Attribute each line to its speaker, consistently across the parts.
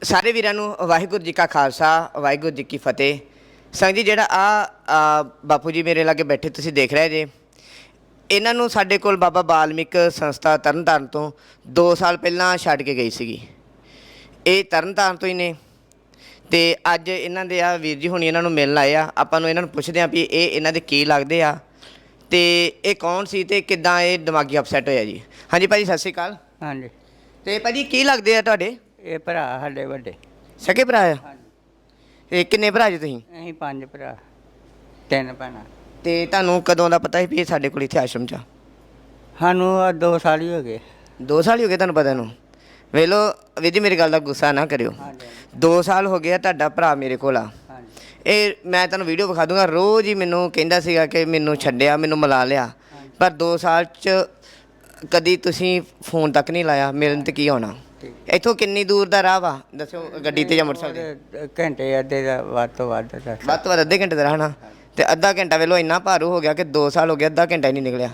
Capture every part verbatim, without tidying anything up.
Speaker 1: ਸਾਰੇ ਵੀਰਾਂ ਨੂੰ ਵਾਹਿਗੁਰੂ ਜੀ ਕਾ ਖਾਲਸਾ ਵਾਹਿਗੁਰੂ ਜੀ ਕੀ ਫਤਿਹ। ਸੰਗ ਜੀ ਜਿਹੜਾ ਆ ਬਾਪੂ ਜੀ ਮੇਰੇ ਲਾਗੇ ਬੈਠੇ ਤੁਸੀਂ ਦੇਖ ਰਹੇ ਜੇ, ਇਹਨਾਂ ਨੂੰ ਸਾਡੇ ਕੋਲ ਬਾਬਾ ਬਾਲਮੀਕ ਸੰਸਥਾ ਤਰਨਤਾਰਨ ਤੋਂ ਦੋ ਸਾਲ ਪਹਿਲਾਂ ਛੱਡ ਕੇ ਗਈ ਸੀਗੀ। ਇਹ ਤਰਨਤਾਰਨ ਤੋਂ ਹੀ ਨੇ ਤੇ ਅੱਜ ਇਹਨਾਂ ਦੇ ਆ ਵੀਰ ਜੀ ਹੁਣੀ ਇਹਨਾਂ ਨੂੰ ਮਿਲਣ ਆਏ ਆ। ਆਪਾਂ ਨੂੰ ਇਹਨਾਂ ਨੂੰ ਪੁੱਛਦੇ ਆ ਵੀ ਇਹ ਇਹਨਾਂ ਦੇ ਕੀ ਲੱਗਦੇ ਆ ਤੇ ਇਹ ਕੌਣ ਸੀ ਤੇ ਕਿੱਦਾਂ ਇਹ ਦਿਮਾਗੀ ਅਪਸੈਟ ਹੋਇਆ ਜੀ। ਹਾਂਜੀ ਭਾਜੀ ਸਤਿ ਸ਼੍ਰੀ ਅਕਾਲ।
Speaker 2: ਹਾਂਜੀ,
Speaker 1: ਤੇ ਭਾਜੀ ਕੀ ਲੱਗਦੇ ਆ ਤੁਹਾਡੇ?
Speaker 2: ਇਹ ਭਰਾ ਸਾਡੇ ਵੱਡੇ।
Speaker 1: ਸਕੇ ਭਰਾ ਆ?
Speaker 2: ਹਾਂਜੀ।
Speaker 1: ਇਹ ਕਿੰਨੇ ਭਰਾ ਜੀ ਤੁਸੀਂ?
Speaker 2: ਅਸੀਂ ਪੰਜ ਭਰਾ, ਤਿੰਨ ਭੈਣਾਂ।
Speaker 1: ਤੇ ਤੁਹਾਨੂੰ ਕਦੋਂ ਦਾ ਪਤਾ ਸੀ ਵੀ ਇਹ ਸਾਡੇ ਕੋਲ ਇੱਥੇ ਆਸ਼ਰਮ 'ਚ ਆ?
Speaker 2: ਸਾਨੂੰ ਆਹ ਦੋ ਸਾਲ ਹੀ ਹੋ ਗਏ।
Speaker 1: ਦੋ ਸਾਲ ਹੀ ਹੋ ਗਏ ਤੁਹਾਨੂੰ ਪਤਾ ਨੂੰ? ਵੇਖ ਲਓ ਵੀਰ ਜੀ ਮੇਰੀ ਗੱਲ ਦਾ ਗੁੱਸਾ ਨਾ ਕਰਿਓ।
Speaker 2: ਹਾਂਜੀ
Speaker 1: ਦੋ ਸਾਲ ਹੋ ਗਏ ਆ ਤੁਹਾਡਾ ਭਰਾ ਮੇਰੇ ਕੋਲ ਆ।
Speaker 2: ਹਾਂਜੀ
Speaker 1: ਇਹ ਮੈਂ ਤੁਹਾਨੂੰ ਵੀਡੀਓ ਵਿਖਾ ਦੂੰਗਾ। ਰੋਜ਼ ਹੀ ਮੈਨੂੰ ਕਹਿੰਦਾ ਸੀਗਾ ਕਿ ਮੈਨੂੰ ਛੱਡਿਆ, ਮੈਨੂੰ ਮਿਲਾ ਲਿਆ, ਪਰ ਦੋ ਸਾਲ 'ਚ ਕਦੀ ਤੁਸੀਂ ਫੋਨ ਤੱਕ ਨਹੀਂ ਲਾਇਆ। ਮਿਲਣ ਤੇ ਕੀ ਹੋਣਾ? ਇੱਥੋਂ ਕਿੰਨੀ ਦੂਰ ਦਾ ਰਾਹ ਵਾ ਦੱਸੋ, ਗੱਡੀ ਤੇ ਜਾਂ ਮੋਟਰਸਾਈਕਲ ਤੇ?
Speaker 2: ਘੰਟੇ ਅੱਧੇ ਦਾ ਵੱਧ ਤੋਂ ਵੱਧ ਦਾ।
Speaker 1: ਵੱਧ ਤੋਂ ਵੱਧ ਅੱਧੇ ਘੰਟੇ ਦਾ ਰਾਹ ਨਾ। ਤੇ ਅੱਧਾ ਘੰਟਾ ਵੇਲੋ ਇੰਨਾ ਭਾਰੂ ਹੋ ਗਿਆ ਕਿ ਦੋ ਸਾਲ ਹੋ ਗਏ ਅੱਧਾ ਘੰਟਾ ਹੀ ਨਹੀਂ ਨਿਕਲਿਆ।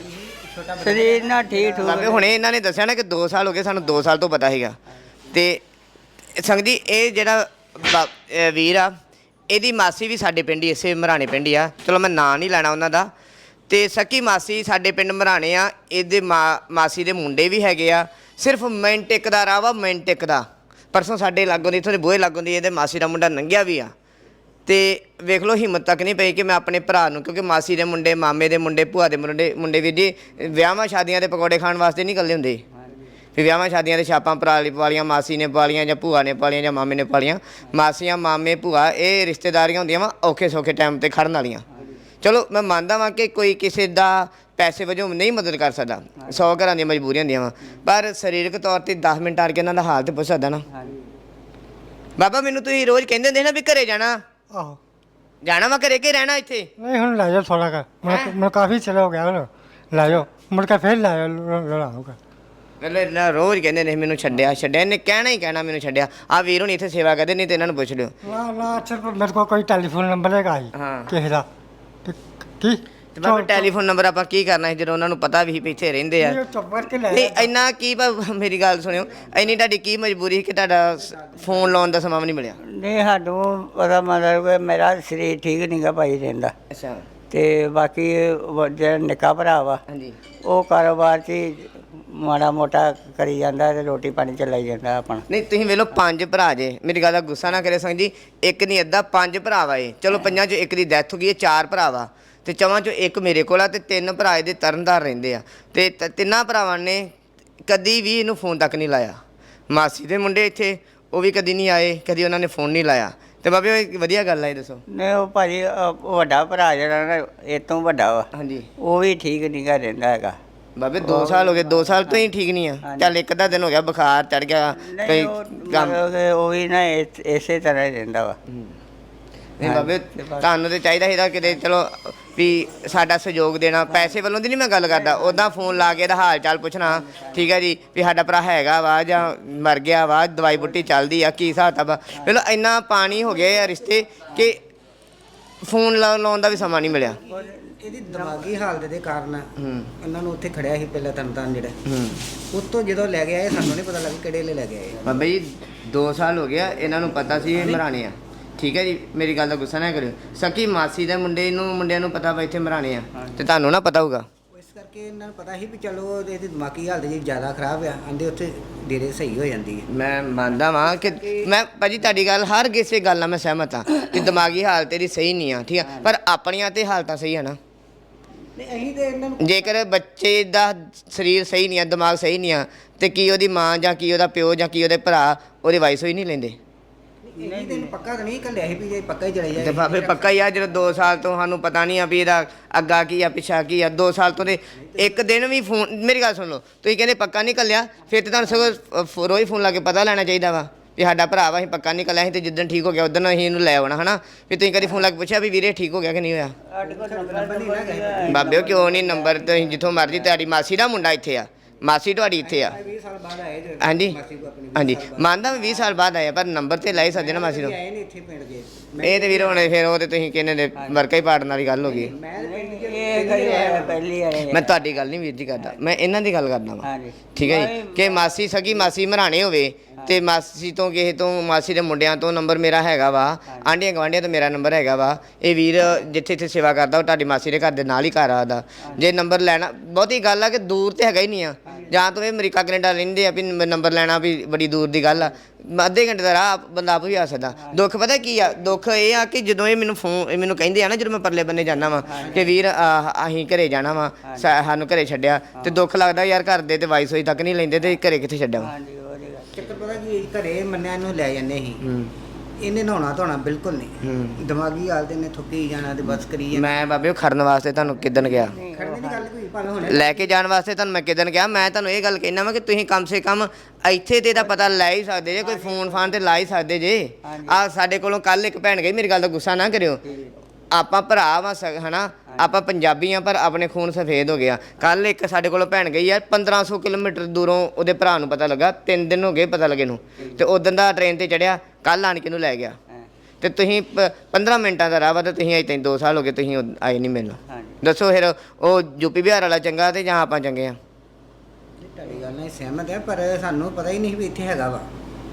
Speaker 2: ਸਰੀਰ ਨਾਲ ਠੀਕ ਠੂਕ।
Speaker 1: ਬਾਬੇ ਹੁਣੇ ਇਹਨਾਂ ਨੇ ਦੱਸਿਆ ਨਾ ਕਿ ਦੋ ਸਾਲ ਹੋ ਗਏ, ਸਾਨੂੰ ਦੋ ਸਾਲ ਤੋਂ ਪਤਾ ਸੀਗਾ। ਤੇ ਸੰਗਤ ਜੀ ਇਹ ਜਿਹੜਾ ਬਾ- ਅਹ ਵੀਰ ਆ, ਇਹਦੀ ਮਾਸੀ ਵੀ ਸਾਡੇ ਪਿੰਡ ਹੀ ਇਸੇ ਮਰਾਣੇ ਪਿੰਡ ਹੀ ਆ। ਚਲੋ ਮੈਂ ਨਾਂ ਨਹੀਂ ਲੈਣਾ ਉਹਨਾਂ ਦਾ। ਤੇ ਸਕੀ ਮਾਸੀ ਸਾਡੇ ਪਿੰਡ ਮਰਾਣੇ ਆ। ਇਹਦੇ ਮਾ ਮਾਸੀ ਦੇ ਮੁੰਡੇ ਵੀ ਹੈਗੇ ਆ। ਸਿਰਫ ਮਿੰਟ ਇੱਕ ਦਾ ਰਾਹ ਵਾ, ਮਿੰਟ ਇੱਕ ਦਾ। ਪਰਸੋਂ ਸਾਡੇ ਲਾਗੋਂ ਦੀ ਇੱਥੋਂ ਦੇ ਬੂਹੇ ਲਾਗੋਂ ਦੀ ਇਹਦੇ ਮਾਸੀ ਦਾ ਮੁੰਡਾ ਲੰਘਿਆ ਵੀ ਆ। ਤੇ ਵੇਖ ਲਓ ਹਿੰਮਤ ਤੱਕ ਨਹੀਂ ਪਈ ਕਿ ਮੈਂ ਆਪਣੇ ਭਰਾ ਨੂੰ, ਕਿਉਂਕਿ ਮਾਸੀ ਦੇ ਮੁੰਡੇ, ਮਾਮੇ ਦੇ ਮੁੰਡੇ, ਭੂਆ ਦੇ ਮੁੰਡੇ ਮੁੰਡੇ ਵੀਰ ਜੀ ਵਿਆਹਾਂ ਸ਼ਾਦੀਆਂ ਦੇ ਪਕੌੜੇ ਖਾਣ ਵਾਸਤੇ ਨਹੀਂ ਇਕੱਲੇ ਹੁੰਦੇ। ਵੀ ਵਿਆਹਾਂ ਸ਼ਾਦੀਆਂ ਦੇ ਛਾਪਾਂ ਭਰਾ ਲਈ ਪਾਲੀਆਂ, ਮਾਸੀ ਨੇ ਪਾਲੀਆਂ ਜਾਂ ਭੂਆ ਨੇ ਪਾਲੀਆਂ ਜਾਂ ਮਾਮੇ ਨੇ ਪਾਲੀਆਂ। ਮਾਸੀਆਂ, ਮਾਮੇ, ਭੂਆ ਇਹ ਰਿਸ਼ਤੇਦਾਰੀਆਂ ਹੁੰਦੀਆਂ ਵਾ ਔਖੇ ਸੌਖੇ ਟਾਈਮ 'ਤੇ ਖੜਨ ਵਾਲੀਆਂ। ਚਲੋ ਮੈਂ ਮੰਨਦਾ ਵਾਂ ਕਿ ਕੋਈ ਕਿਸੇ ਦਾ ਪੈਸੇ ਵਜੋਂ ਨਹੀਂ ਮਦਦ ਕਰ ਸਕਦਾ, ਸੌ ਘਰਾਂ ਦੀਆਂ ਮਜਬੂਰੀਆਂ ਹੁੰਦੀਆਂ ਵਾ, ਪਰ ਸਰੀਰਕ ਤੌਰ 'ਤੇ ਦਸ ਮਿੰਟ ਆ ਕੇ ਇਹਨਾਂ ਦਾ ਹਾਲ ਤੇ ਪੁੱਛ ਸਕਦਾ ਨਾ। ਬਾਬਾ ਮੈਨੂੰ ਤੁਸੀਂ ਰੋਜ਼ ਕਹਿੰਦੇ ਹੁੰਦੇ ਨਾ ਵੀ ਘਰੇ ਜਾਣਾ,
Speaker 3: ਆਹੋ
Speaker 1: ਜਾਣਾ ਵਾ ਘਰੇ ਕਿ ਰਹਿਣਾ ਇੱਥੇ?
Speaker 3: ਨਹੀਂ ਹੁਣ ਲੈ ਜਾਓ ਥੋੜਾ ਕਰ ਮੈਂ ਕਾਫੀ ਚਲਾ ਹੋ ਗਿਆ ਹੁਣ ਲੈ ਜਾਓ ਮੁੜ ਕੇ ਫਿਰ ਲੈ ਲੜਾਊਗਾ।
Speaker 1: ਮਤਲਬ ਨਾ ਰੋਜ਼ ਕਹਿੰਦੇ ਨੇ ਮੈਨੂੰ ਛੱਡਿਆ ਛੱਡਿਆ। ਇਹਨੇ ਕਹਿਣਾ ਹੀ ਕਹਿਣਾ ਮੈਨੂੰ ਛੱਡਿਆ। ਆ ਵੀਰ ਹੁਣ ਇੱਥੇ ਸੇਵਾ ਕਰਦੇ, ਨਹੀਂ ਤੇ ਇਹਨਾਂ ਨੂੰ ਪੁੱਛ ਲਿਓ।
Speaker 3: ਨਾ ਨਾ ਅੱਛਾ ਮੇਰੇ ਕੋਲ ਕੋਈ ਟੈਲੀਫੋਨ ਨੰਬਰ ਹੈਗਾ ਹੀ
Speaker 1: ਹਾਂ।
Speaker 3: ਕਿਸੇ ਦਾ ਤੇ ਕੀ
Speaker 1: ਤੇ ਬਾਬਾ ਟੈਲੀਫੋਨ ਨੰਬਰ ਆਪਾਂ ਕੀ ਕਰਨਾ ਸੀ ਜਦੋਂ ਉਹਨਾਂ ਨੂੰ ਪਤਾ ਵੀ ਸੀ ਵੀ ਇੱਥੇ ਰਹਿੰਦੇ ਆ?
Speaker 3: ਚੁੱਪ ਕਰਕੇ ਲੈ
Speaker 1: ਨਹੀਂ ਇੰਨਾ ਕੀ ਭਾ- ਮੇਰੀ ਗੱਲ ਸੁਣਿਓ, ਇੰਨੀ ਤੁਹਾਡੀ ਕੀ ਮਜਬੂਰੀ ਸੀ ਕਿ ਤੁਹਾਡਾ ਫੋਨ ਲਾਉਣ ਦਾ ਸਮਾਂ ਵੀ ਨਹੀਂ ਮਿਲਿਆ?
Speaker 2: ਨਹੀਂ ਸਾਨੂੰ ਪਤਾ ਮਤਲਬ ਕਿ ਮੇਰਾ ਸਰੀਰ ਠੀਕ ਨਹੀਂਗਾ ਭਾਈ ਰਹਿੰਦਾ।
Speaker 1: ਅੱਛਾ।
Speaker 2: ਤੇ ਬਾਕੀ ਵ- ਜਿਹੜਾ ਨਿੱਕਾ ਭਰਾ ਵਾ
Speaker 1: ਹਾਂਜੀ।
Speaker 2: ਉਹ ਕਾਰੋਬਾਰ 'ਚ ਹੀ ਮਾੜਾ ਮੋਟਾ ਕਰੀ ਜਾਂਦਾ ਤੇ ਰੋਟੀ ਪਾਣੀ ਚਲਾਈ ਜਾਂਦਾ ਆਪਣਾ।
Speaker 1: ਨਹੀਂ ਤੁਸੀਂ ਵੇਖ ਲਓ ਪੰਜ ਭਰਾ ਜੇ, ਮੇਰੀ ਗੱਲ ਦਾ ਗੁੱਸਾ ਨਾ ਕਰੇ ਸੰਗ ਜੀ। ਇੱਕ ਨਹੀਂ ਅੱਧਾ ਪੰਜ ਭਰਾ ਵਾ ਇਹ। ਚਲੋ ਪੰਜਾਂ 'ਚੋਂ ਇੱਕ ਦੀ ਡੈਥ ਹੋ ਗਈ ਹੈ, ਚਾਰ ਭਰਾ ਵਾ ਤੇ ਚਵਾਂ 'ਚੋਂ ਇੱਕ ਮੇਰੇ ਕੋਲ ਆ ਤੇ ਤਿੰਨ ਭਰਾ ਇਹਦੇ ਤਰਨਤਾਰਨ ਰਹਿੰਦੇ ਆ। ਤੇ ਤ- ਤਿੰਨਾਂ ਭਰਾਵਾਂ ਨੇ ਕਦੀ ਵੀ ਇਹਨੂੰ ਫੋਨ ਤੱਕ ਨਹੀਂ ਲਾਇਆ। ਮਾਸੀ ਦੇ ਮੁੰਡੇ ਇੱਥੇ ਉਹ ਵੀ ਕਦੀ ਨਹੀਂ ਆਏ, ਕਦੀ ਉਹਨਾਂ ਨੇ ਫੋਨ ਨਹੀਂ ਲਾਇਆ। ਤੇ ਬਾਬੇ ਉਹ ਇੱਕ ਵਧੀਆ ਗੱਲ ਆ, ਇਹ ਦੱਸੋ।
Speaker 2: ਨਹੀਂ ਉਹ ਭਾਜੀ ਅ, ਵੱਡਾ ਭਰਾ ਜਿਹੜਾ ਨਾ ਇਹ ਤੋਂ ਵੱਡਾ ਵਾ,
Speaker 1: ਹਾਂਜੀ
Speaker 2: ਉਹ ਵੀ ਠੀਕ ਨਹੀਂਗਾ ਰਹਿੰਦਾ ਹੈਗਾ।
Speaker 1: ਬਾਬੇ ਦੋ ਸਾਲ ਹੋ ਗਏ, ਦੋ ਸਾਲ ਤੋਂ ਹੀ ਠੀਕ ਨਹੀਂ ਆ। ਚੱਲ ਇੱਕ ਅੱਧਾ ਦਿਨ ਹੋ ਗਿਆ ਬੁਖਾਰ ਚੜ ਗਿਆ
Speaker 2: ਨਹੀਂ
Speaker 1: ਕਈ
Speaker 2: ਉਹ
Speaker 1: ਕੰਮ।
Speaker 2: ਮਤਲਬ ਕਿ ਉਹ ਵੀ ਨਾ ਇਸ- ਇਸੇ ਤਰ੍ਹਾਂ ਹੀ ਰਹਿੰਦਾ ਵਾ।
Speaker 1: ਨਹੀਂ ਬਾਬੇ ਤੁਹਾਨੂੰ ਤੇ ਚਾਹੀਦਾ ਸੀਗਾ ਕਿਤੇ ਚਲੋ ਵੀ ਸਾਡਾ ਸਹਿਯੋਗ ਦੇਣਾ। ਪੈਸੇ ਵੱਲੋਂ ਦੀ ਨਹੀਂ ਮੈਂ ਗੱਲ ਕਰਦਾ, ਉੱਦਾਂ ਫੋਨ ਲਾ ਕੇ ਇਹਦਾ ਹਾਲ ਚਾਲ ਪੁੱਛਣਾ, ਠੀਕ ਹੈ ਜੀ, ਵੀ ਸਾਡਾ ਭਰਾ ਹੈਗਾ ਵਾ ਜਾਂ ਮਰ ਗਿਆ ਵਾ, ਦਵਾਈ ਬੁੱਟੀ ਚੱਲਦੀ ਆ, ਕੀ ਹਿਸਾਬ ਵਾ। ਚਲੋ ਇੰਨਾ ਪਾਣੀ ਹੋ ਗਿਆ ਆ ਰਿਸ਼ਤੇ ਕਿ ਫੋਨ ਲਾ ਲਾਉਣ ਦਾ ਵੀ ਸਮਾਂ ਨਹੀਂ ਮਿਲਿਆ।
Speaker 4: ਇਹਦੀ ਦਿਮਾਗੀ ਹਾਲਤ ਦੇ ਕਾਰਨ
Speaker 1: ਹੂੰ
Speaker 4: ਇਹਨਾਂ ਨੂੰ ਉੱਥੇ ਖੜਿਆ ਸੀ ਪਹਿਲਾਂ ਤਰਨਤਾਰਨ ਜਿਹੜਾ,
Speaker 1: ਹੂੰ
Speaker 4: ਉੱਤੋਂ ਜਦੋਂ ਲੈ ਕੇ ਆਏ ਸਾਨੂੰ ਨਹੀਂ ਪਤਾ ਲੱਗਾ ਕਿਹੜੇ ਵੇਲੇ ਲੈ ਕੇ ਆਏ।
Speaker 1: ਬਾਬਾ ਜੀ ਦੋ ਸਾਲ ਹੋ ਗਿਆ, ਇਹਨਾਂ ਨੂੰ ਪਤਾ ਸੀ ਇਹ ਮਰਾਣੇ ਆ, ਠੀਕ ਹੈ ਜੀ, ਮੇਰੀ ਗੱਲ ਦਾ ਗੁੱਸਾ ਨਾ ਕਰਿਓ। ਸਕੀ ਮਾਸੀ ਦੇ ਮੁੰਡੇ ਨੂੰ ਮੁੰਡਿਆਂ ਨੂੰ ਪਤਾ ਵਾ ਇੱਥੇ ਮਰਾਣੇ ਆ ਤੇ ਤੁਹਾਨੂੰ ਨਾ ਪਤਾ ਹੋਊਗਾ।
Speaker 4: ਇਸ ਕਰਕੇ ਇਹਨਾਂ ਨੂੰ ਪਤਾ ਸੀ ਵੀ ਚਲੋ ਇਹਦੀ ਦਿਮਾਗੀ ਹਾਲਤ ਜੀ ਜ਼ਿਆਦਾ ਖਰਾਬ ਆ, ਆਂਦੇ ਉੱਥੇ ਡੇਰੇ ਸਹੀ ਹੋ ਜਾਂਦੀ ਹੈ।
Speaker 1: ਮੈਂ ਮੰਨਦਾ ਵਾਂ ਕਿ ਮੈਂ ਭਾਜੀ ਤੁਹਾਡੀ ਗੱਲ ਹਰ ਕਿਸੇ ਗੱਲ ਨਾਲ ਮੈਂ ਸਹਿਮਤ ਹਾਂ ਕਿ ਦਿਮਾਗੀ ਹਾਲਤ ਤੇਰੀ ਸਹੀ ਨਹੀਂ ਆ, ਠੀਕ ਆ, ਪਰ ਆਪਣੀਆਂ ਤੇ ਹਾਲਤਾਂ ਸਹੀ ਆ ਨਾ।
Speaker 4: ਨਹੀਂ ਅਸੀਂ ਤੇ ਇਹਨਾਂ ਨੂੰ
Speaker 1: ਜੇਕਰ ਬੱਚੇ ਦਾ ਸਰੀਰ ਸਹੀ ਨਹੀਂ ਆ, ਦਿਮਾਗ ਸਹੀ ਨਹੀਂ ਆ, ਤੇ ਕੀ ਉਹਦੀ ਮਾਂ ਜਾਂ ਕੀ ਉਹਦਾ ਪਿਓ ਜਾਂ ਕੀ ਉਹਦੇ ਭਰਾ ਉਹਦੀ ਵਾਈਸ ਹੋਈ ਨਹੀਂ ਲੈਂਦੇ?
Speaker 4: ਨਹੀਂ ਤੈਨੂੰ ਪੱਕਾ ਤਾਂ ਨਹੀਂ ਕੱਲਿਆ ਸੀ ਵੀ ਜੇ ਪੱਕਾ ਹੀ ਚਲੇ ਜਾਏ।
Speaker 1: ਤੇ ਬਾਬੇ ਪੱਕਾ ਹੀ ਆ, ਜਦੋਂ ਦੋ ਸਾਲ ਤੋਂ ਸਾਨੂੰ ਪਤਾ ਨਹੀਂ ਆ ਵੀ ਇਹਦਾ ਅੱਗਾ ਕੀ ਆ ਪਿੱਛਾ ਕੀ ਆ। ਦੋ ਸਾਲ ਤੋਂ ਦੇ ਇੱਕ ਦਿਨ ਵੀ ਫੋਨ, ਮੇਰੀ ਗੱਲ ਸੁਣ ਲਓ, ਤੁਸੀਂ ਕਹਿੰਦੇ ਪੱਕਾ ਨਹੀਂ ਕੱਲਿਆ, ਫਿਰ ਤੇ ਤੁਹਾਨੂੰ ਸਗੋਂ ਫ- ਰੋਜ਼ ਫੋਨ ਲਾ ਕੇ ਪਤਾ ਲੈਣਾ ਚਾਹੀਦਾ ਵਾ ਵੀ ਸਾਡਾ ਭਰਾ ਵਾ, ਅਸੀਂ ਪੱਕਾ ਨਹੀਂ ਕੱਲਿਆ ਸੀ ਤੇ ਜਿੱਦਣ ਠੀਕ ਹੋ ਗਿਆ ਉਦੋਂ ਅਸੀਂ ਇਹਨੂੰ ਲੈ ਆਉਣਾ, ਹਨਾ। ਵੀ ਤੁਸੀਂ ਕਦੀ ਫੋਨ ਲਾ ਕੇ ਪੁੱਛਿਆ ਵੀ ਵੀਰੇ ਠੀਕ ਹੋ ਗਿਆ ਕਿ ਨਹੀਂ ਹੋਇਆ? ਬਾਬੇ ਉਹ ਕਿਉਂ ਨਹੀਂ ਨੰਬਰ, ਤੁਸੀਂ ਜਿੱਥੋਂ ਮਰਜ਼ੀ, ਤੁਹਾਡੀ ਮਾਸੀ ਦਾ ਮੁੰਡਾ ਇੱਥੇ ਆ, ਮਾਸੀ ਤੁਹਾਡੀ ਇੱਥੇ ਆ।
Speaker 4: ਵੀਹ ਸਾਲ ਬਾਅਦ ਆਏ ਜੇ
Speaker 1: ਹਾਂਜੀ
Speaker 4: ਮਾਸੀ ਕੋ ਆਪਣੀ
Speaker 1: ਹਾਂਜੀ ਮੰਨਦਾ ਵੀਹ ਸਾਲ ਬਾਅਦ ਆਇਆ, ਪਰ ਨੰਬਰ ਤੇ ਲਾਈ ਸਕਦੇ ਨਾ ਮਾਸੀ ਤੋਂ।
Speaker 4: ਆਏ ਨੇ ਇੱਥੇ ਪਿੰਡ ਦੇ।
Speaker 1: ਇਹ ਤੇ ਵੀਰ ਹੁਣ ਫਿਰ ਉਹ ਤੇ ਤੁਸੀਂ ਕਹਿੰਦੇ ਨੇ ਵਰਕਾ ਹੀ ਪਾੜਨ ਵਾਲੀ ਗੱਲ ਹੋ ਗਈ।
Speaker 4: ਮੈਂ
Speaker 2: ਇਹ ਕਰੀ ਪਹਿਲੀ ਆਏ
Speaker 1: ਮੈਂ ਤੁਹਾਡੀ ਗੱਲ ਨਹੀਂ ਵੀਰ ਜੀ ਕਰਦਾ, ਮੈਂ ਇਹਨਾਂ ਦੀ ਗੱਲ ਕਰਦਾ ਵਾਂ,
Speaker 2: ਹਾਂਜੀ
Speaker 1: ਠੀਕ ਹੈ ਜੀ। ਕਿ ਮਾਸੀ ਸਗੀ ਮਾਸੀ ਮਰਾਣੇ ਹੋਵੇ ਤੇ ਮਾਸੀ ਤੋਂ ਕਿਸੇ ਤੋਂ ਮਾਸੀ ਦੇ ਮੁੰਡਿਆਂ ਤੋਂ ਨੰਬਰ ਮੇਰਾ ਹੈਗਾ ਵਾ, ਆਂਢੀਆਂ ਗੁਆਂਢੀਆਂ ਤੋਂ ਮੇਰਾ ਨੰਬਰ ਹੈਗਾ ਵਾ। ਇਹ ਵੀਰ ਜਿੱਥੇ ਇੱਥੇ ਸੇਵਾ ਕਰਦਾ ਉਹ ਤੁਹਾਡੀ ਮਾਸੀ ਦੇ ਘਰ ਦੇ ਨਾਲ ਹੀ ਘਰ ਆਦਾ। ਜੇ ਨੰਬਰ ਲੈਣਾ ਬਹੁਤੀ ਗੱਲ ਆ ਕਿ ਦੂਰ ਤੇ ਹੈਗਾ ਹੀ ਨਹੀਂ ਆ, ਜਾਂ ਤਾਂ ਇਹ ਅਮਰੀਕਾ ਕੈਨੇਡਾ ਰਹਿੰਦੇ ਆ ਵੀ ਨੰਬਰ ਲੈਣਾ ਵੀ ਬੜੀ ਦੂਰ ਦੀ ਗੱਲ ਆ। ਅੱਧੇ ਘੰਟੇ ਦਾ ਰਾਹ ਬੰਦਾ ਆਪ ਵੀ ਆ ਸਕਦਾ। ਦੁੱਖ ਪਤਾ ਕੀ ਆ, ਦੁੱਖ ਇਹ ਆ ਕਿ ਜਦੋਂ ਇਹ ਮੈਨੂੰ ਫੋਨ ਇਹ ਮੈਨੂੰ ਕਹਿੰਦੇ ਆ ਨਾ, ਜਦੋਂ ਮੈਂ ਪਰਲੇ ਬੰਨੇ ਜਾਂਦਾ ਵਾ ਕਿ ਵੀਰ ਆਹ ਅਸੀਂ ਘਰੇ ਜਾਣਾ ਵਾ, ਸਾਨੂੰ ਘਰੇ ਛੱਡਿਆ, ਤੇ ਦੁੱਖ ਲੱਗਦਾ ਯਾਰ ਘਰ ਦੇ ਤੇ ਵਾਈਸ ਹੋਈ ਤੱਕ ਨਹੀਂ ਲੈਂਦੇ ਤੇ ਘਰੇ ਕਿੱਥੇ ਛੱਡਿਆ ਵਾ।
Speaker 2: ਹਾਂਜੀ ਉਹਦੀ ਗੱਲ।
Speaker 4: ਚੱਕਰ ਪਤਾ ਕੀ ਘਰੇ ਮੰਨਿਆ ਨੂੰ ਲੈ ਜਾਂਦੇ ਸੀ, ਇਹਨੇ ਨਹਾਉਣਾ ਧੋਣਾ ਬਿਲਕੁਲ ਨਹੀਂ, ਦਿਮਾਗੀ ਹਾਲਤ ਇਹਨੇ ਥੁੱਕੀ ਜਾਣਾ ਤੇ ਬਸ ਕਰੀ ਜਾਣਾ।
Speaker 1: ਮੈਂ ਬਾਬੇ ਉਹ ਖੜਨ ਵਾਸਤੇ ਤੁਹਾਨੂੰ ਕਿਦਨ ਗਿਆ,
Speaker 4: ਖੜਨੇ ਦੀ ਗੱਲ ਕੋਈ ਭਾਵੇਂ ਹੁਣ
Speaker 1: ਲੈ ਕੇ ਜਾਣ ਵਾਸਤੇ ਤੁਹਾਨੂੰ ਮੈਂ ਕਿਦਨ ਗਿਆ। ਮੈਂ ਤੁਹਾਨੂੰ ਇਹ ਗੱਲ ਕਹਿਣਾ ਵਾ ਕਿ ਤੁਸੀਂ ਕਮ ਸੇ ਕਮ ਇੱਥੇ ਤੇ ਦਾ ਪਤਾ ਲੈ ਹੀ ਸਕਦੇ ਜੇ, ਕੋਈ ਫੋਨ ਫਾਨ ਤੇ ਲਾ ਹੀ ਸਕਦੇ ਜੇ। ਆ ਸਾਡੇ ਕੋਲੋਂ ਕੱਲ ਇੱਕ ਭੈਣ ਗਈ, ਮੇਰੀ ਗੱਲ ਦਾ ਗੁੱਸਾ ਨਾ ਕਰਿਓ, ਆਪਾਂ ਭਰਾ ਵਾ ਹਨਾ, ਆਪਾਂ ਪੰਜਾਬੀ ਆ ਪਰ ਆਪਣੇ ਖੂਨ ਸਫੇਦ ਹੋ ਗਿਆ। ਕੱਲ ਇੱਕ ਸਾਡੇ ਕੋਲੋਂ ਭੈਣ ਗਈ ਆ ਪੰਦਰਾਂ ਸੌ ਕਿਲੋਮੀਟਰ ਦੂਰੋਂ, ਉਹਦੇ ਭਰਾ ਨੂੰ ਪਤਾ ਲੱਗਾ, ਤਿੰਨ ਦਿਨ ਹੋ ਗਏ ਪਤਾ ਲੱਗੇ ਨੂੰ, ਤੇ ਉਦੋਂ ਦਾ ਟ੍ਰੇਨ ਤੇ ਚੜਿਆ, ਕੱਲ ਆਣ ਕੇ ਨੂੰ ਲੈ ਗਿਆ। ਤੇ ਤੁਸੀਂ ਪੰਦਰਾਂ ਮਿੰਟਾਂ ਦਾ ਰਾਹ ਵਾ ਤੇ ਤੁਸੀਂ ਅਜੇ ਤੈਨੂੰ ਦੋ ਸਾਲ ਹੋ ਗਏ ਤੁਸੀਂ ਆਏ ਨਹੀਂ ਮੈਨੂੰ। ਦੱਸੋ ਫਿਰ ਉਹ ਯੂਪੀ ਬਿਹਾਰ ਵਾਲਾ ਚੰਗਾ ਤੇ ਜਾਂ ਆਪਾਂ ਚੰਗੇ ਆ?
Speaker 4: ਤੁਹਾਡੀ ਗੱਲ ਨਾਲ ਸਹਿਮਤ ਹੈ, ਪਰ ਸਾਨੂੰ ਪਤਾ ਹੀ ਨਹੀਂ ਵੀ ਇੱਥੇ ਹੈਗਾ ਵਾ